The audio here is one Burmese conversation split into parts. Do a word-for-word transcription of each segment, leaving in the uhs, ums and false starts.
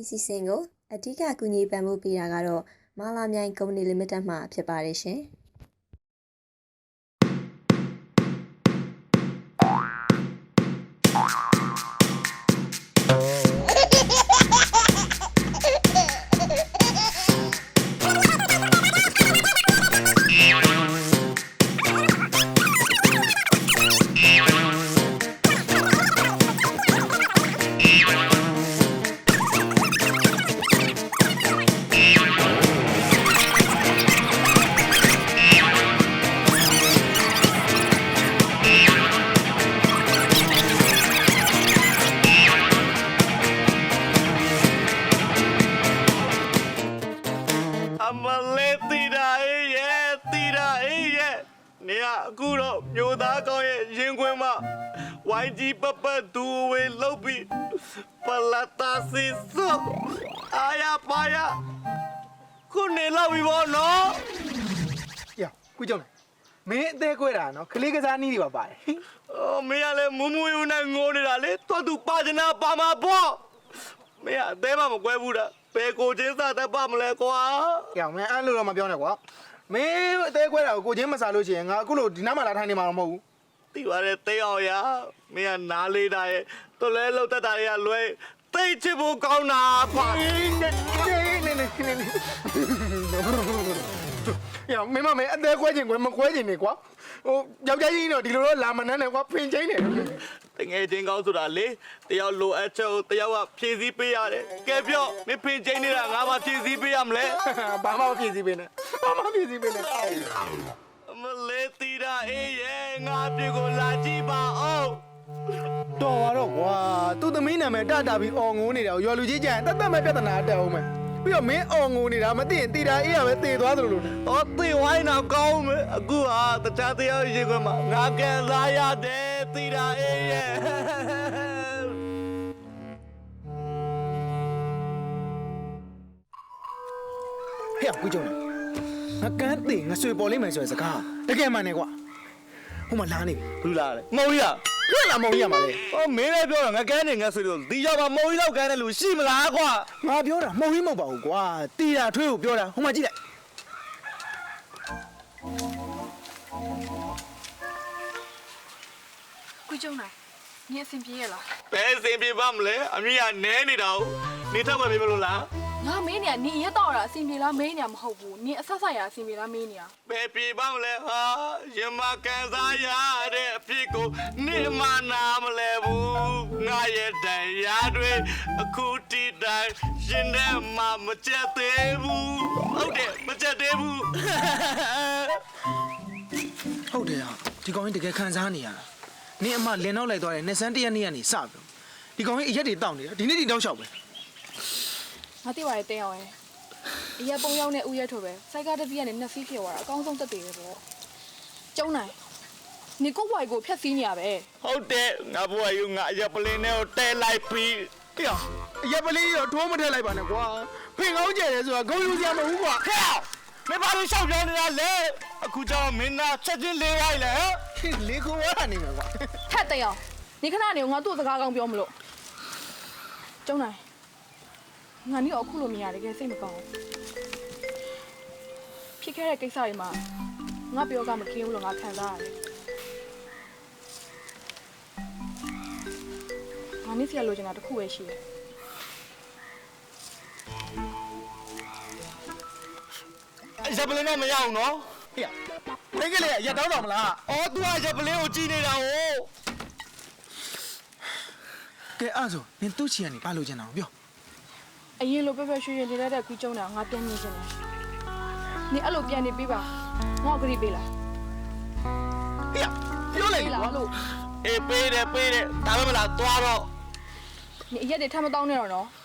စီစဉ်ကိုအဓိကကူညီပံ့ပိုးပေးတာကတော့မာလာမြိုင်ကုမ္ပဏီလီမိတက်မှဖြစ်ပါတယ်ရှင်။မျိုးသားကောင်းရဲ့ရင်ခွင်မှာဝိုင်းကြီးပပဒူဝေလုတ်ပြီးပလာတာစီစို့အာရပါရခုနေလောက်ပြီဘောနော်ရခုကြောင့်မင်းအသေးခွဲတာနော်ကလေးကစားနည်းတွေပါပါတယ်အော်မင်းကလည်းမူမူယူနဲ့ငိုနေတာလေတော်သူပါချနာပါမှာပေါ့မင်းအသေးမှမကွဲဘူးတာဘယ်ကိုချင်းစားတတ်ပါမလဲကွာရမင်းအဲ့လိုတော့မပြောနဲ့ကွာမင်းအသေးခွဲတာကိုကိုချင်းမစားလို့ရှိရင်ငါအခုလိုဒီနားမှာလာထိုင်နေမှာတော့မဟုတ်ဘူးတိပါတယ်တိတ်အောင်ရမင်းကနားလေးတာရဲ့တော်လဲလောက်တတ်တာတွေကလွဲတိတ်ချစ်ဖို့ကောင်းတာပါနေနေနေနေနေရမင်းမမင်းအသေးခွဲခြင်းကွယ်မခွဲခြင်းနေကွာဟိုယောက်ျားကြီးတော့ဒီလိုတော့လာမနှမ်းနဲ့ကွာဖင်ချင်းနေတငယ်ချင်းကောင်းဆိုတာလေတယောက်လိုအပ်ချက်ကိုတယောက်ကဖြည့်ဆည်းပေးရတယ်ကဲပြောမင်းဖင်ချင်းနေတာငါမှဖြည့်ဆည်းပေးရမလဲဘာမှမဖြည့်ဆည်းပေးနဲ့ဘာမှဖြည့်ဆည်းပေးနဲ့မလေးတီတာအေးရဲ့ငါပြေကိုလာကြည့်ပါအောင်တော်ပါတော့ကွာသူ့သမီးနာမည်တတာပြီးအော်ငိုးနေတာရွာလူကြီးကြရင်တတ်တတ်မဲ့ပြဿနာတက်အောင်မယ်ပြီးတော့မင်းအော်ငိုနေတာမသိရင်တီတာအေးရပဲတည်သွားသလိုလို။အော်သေဝိုင်းတော့ကောင်းမယ်။အခုဟာတခြားတရားရေခွင့်မှာငါကဲလာရတယ်တီတာအေးရဲ့။ဟဲ့ကိုကြုံငါကန်းသိငါဆွေပေါ်လိမ့်မယ်ဆိုတဲ့စကားတကယ်မှန်တယ်ကွာဟိုမှာလာနေပြီဘူးလားလေ။မုံကြီးอ่ะပြက်လာမုံကြီးရမှာလေ။အော်မင်းလည်းပြောတော့ငါကန်းနေငါဆွေလို့ဒီရောက်မှာမုံကြီးလောက်ကန်းတဲ့လူရှိမလားကွာငါပြောတာမုံကြီးမဟုတ်ပါဘူးကွာတီတာထွေးကိုပြောတာဟိုမှာကြည့်လိုက်ကိုကျုံနိုင်ညအဆင်ပြေရလား။ဘယ်စင်ပြေပါမလဲ။အမေကနဲနေတာ哦။နေတော့မပြေမလို့လားငါမင်းနေကနင်ရက်တော့တာအဆင်ပြေလားမင်းနေမဟုတ်ဘူးနင်အဆက်ဆက်ရအဆင်ပြေလားမင်းနေ။ဘယ်ပြေပါမလဲဟာ။ရမကန်စားရတဲ့အဖြစ်ကိုနေမနာမလဲဘူး။ငါရဲ့တရားတွေအခုတီတိုင်းရှင်တဲ့မှာမကြက်သေးဘူး။ဟုတ်တယ်မကြက်သေးဘူး။ဟုတ်တယ်ဟာဒီကောင်ကြီးတကယ်ခံစားနေရတာနင်းအမလင်နောက်လိုက်သွားတယ်နှစ်ဆန်းတရက်နေ့ကနေစပြီဒီကောင်ကြီးအရက်တွေတောက်နေတာဒီနေ့ဒီတောက်လျှောက်ပဲငါသိပါရဲ့တင်းအောင်ရဲ့အရက်ပုံရောက်တဲ့ဥရက်ထိုပဲစိုက်ကားတစ်စီးကနေနှစ်စီးဖြစ်သွားတာအကောင်းဆုံးတက်တယ်ပဲပေါ့ကျုံနိုင်နင်ကိုဝိုင်ကိုဖျက်စီးနေရပဲဟုတ်တယ်ငါဘွားယူငါအရက်ပလင်းနဲ့ကိုတဲလိုက်ပြီးဟေ့အရက်ပလေးတော့ထိုးမထည့်လိုက်ပါနဲ့ကွာဖင်ကောင်းကျဲတယ်ဆိုတာဂုံယူစရာမဟုတ်ဘူးကွာဟဲ့မင်းဘာလို့ရှောက်ပြောနေတာလဲအခုကျတော့မင်းသားချက်ချင်းလေးလိုက်လေလေကိုဝါနေမှာကွာထက်တင်းအောင်နင်ခဏနေငါသူ့စကားကောင်းပြောမလို့ကျုံနိုင်ငါနေအခုလိုမြင်ရတကယ်စိတ်မကောင်းဘူးဖြစ်ခဲ့တဲ့ကိစ္စတွေမှာငါပြောကမကင်းဘူးလို့ငါခံစားရတယ်ငါနေစီရလိုချင်တာတစ်ခုပဲရှိတယ်အရက်ပလင်းနဲ့မရအောင်နော်ဟေ့မိကလေးကရက်တောင်းတော်မလားအော် तू အရက်ပလင်းကိုကြည့်နေတာဟိုကဲအဲ့ဆိုနင်သူ့ချီကနေပါလို့ချင်တာပြောအရင်လိုပဲပဲရွှေရွှေနေလိုက်တဲ့ခွီးကျုံတာငါပြန်မြင်ချင်တယ်နေအဲ့လိုပြန်နေပေးပါငါ့ကိုကြည့်ပေးလားဟေ့ပြောလိုက်ကွာလို့အေးပေးတယ်ပေးတယ်ဒါပဲမလားသွားတော့နေအရက်တွေထပ်မတောင်းနဲ့တော့နော်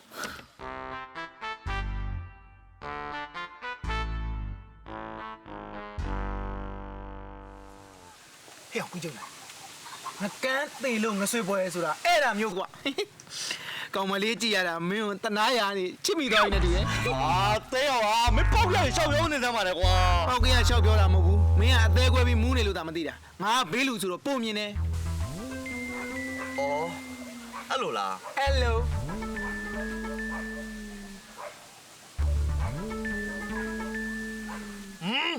ဟေ့ကိုကြုံလာငါကန်းသေးလို့ငဆွေပွဲဆိုတာအဲ့ဒါမျိုးကွာကောင်မလေးကြည့်ရတာမင်းကိုတနာရနေချစ်မိသွားပြီနဲ့တည်းရဲ့အာတဲရောဟာမင်းပေါက်လိုက်ရှောက်ရုံးနေစမ်းပါလေကွာပေါက်ကရရှောက်ပြောတာမဟုတ်ဘူးမင်းကအသေးခွဲပြီးမူးနေလို့သာမသိတာငါဘေးလူဆိုတော့ပုံမြင်တယ်အော်အဲ့လိုလား Hello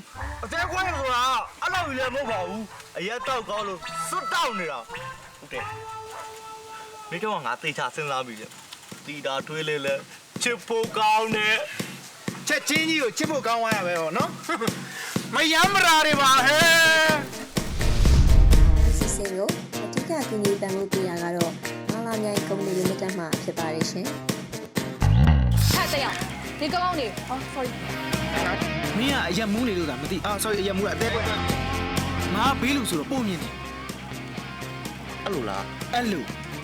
အသေးခွဲဆိုတာအဲ့လိုကြီးလည်းမဟုတ်ပါဘူးအရက်တောက်ကောင်းလို့စွတ်တောက်နေတာဟုတ်တယ်မင်းတို့ကငါသေချာစဉ်းစားပြီလေတီတာထွေးလေးလဲချစ်ဖို့ကောင်းတယ်ချက်ချင်းကြီးကိုချစ်ဖို့ကောင်းသွားရပဲဟောနော်မယမ်းမရာတွေပါဟဲ့စစ်စင်ကိုအထူးကကူညီပံ့ပိုးပေးတာကတော့မာလာမြိုင်ကုမ္ပဏီလီမိတက်မှဖြစ်ပါတယ်ရှင်ဟဲ့တဲ့အောင်ဒီကောင်းကောင်းနေဟော sorry မင်းကအရက်မူးနေလို့သာမသိအာ sorry အရက်မူးတာအသေးပဲငါဘေးလူဆိုတော့ပုံမြင်တယ်အဲ့လိုလားအဲ့လူ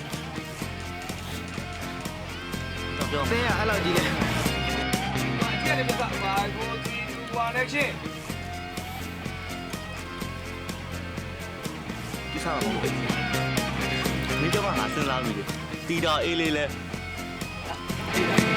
တော့ပြောတဲကအဲ့လိုကြီးလေဒီကနေ့ကဘာကိုဒီဟွာနေချင်းဒီစားပါဘူးမင်းတို့ကငါစဉ်းစားပြီလေတီတာအေးလေးလဲ